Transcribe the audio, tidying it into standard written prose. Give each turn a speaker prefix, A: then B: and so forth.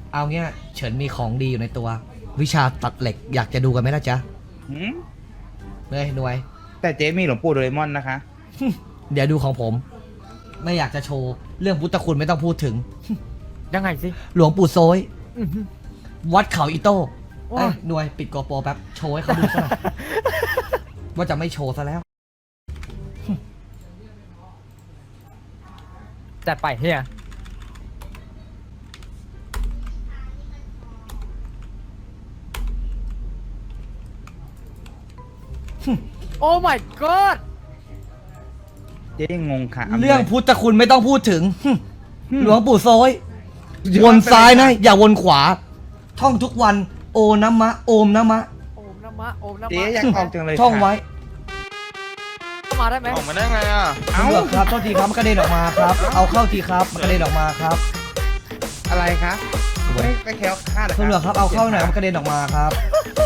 A: เอาเงี้ยเฉินมีของดีอยู่ในตัว วิชาตัดเหล็กอยากจะดูกันไหมล่ะจ๊ะ
B: หืม
A: เฮ้ยหน่วย
B: แต่เจ๊มีหลวงปู่โดเรมอนนะคะ
A: เดี๋ยวดูของผม ไม่อยากจะโชว์เรื่องพุทธคุณไม่ต้องพูดถึง
C: ยังไงสิ
A: หลวงปู่โซย
C: อื้อหือ
A: วัดเขาอีโต้
C: ว้า
A: หน่วยปิดโกโปรแป๊บโชว์ให้เขาดูซะหน่อย ว่าจะไม่โชว์ซะแล้ว
C: จัดไปเฮียโอ้ my god
B: เจ๊ยังงงค่ะ
A: เรื่องพุทธคุณไม่ต้องพูดถึง หลวงปู่โซย
B: เดี๋ย
A: วนซ้ายนะ
B: ไป
A: อย่าวนขวา ท่องทุกวัน โอนะมะ โอมนะมะ
C: โอมนะมะโอมนะ
B: เจ๊
C: มะ
B: อยากออกจังเลย
A: ท่องไว้
C: เข้ามาได้ไหม
D: ออกมาได้ไงอ่ะ
B: เอ้า
A: ตำรวจครับโทษทีครับมันกระเด็นออกมาครับ เอาเข้าทีครับมันกระเด็นออกมาครับ
B: อะไรคะไม่แคล้วคลาดเหรอ
A: ตำรวจครับเอาเข้าหน่อยมันกระเด็นออกมาครับ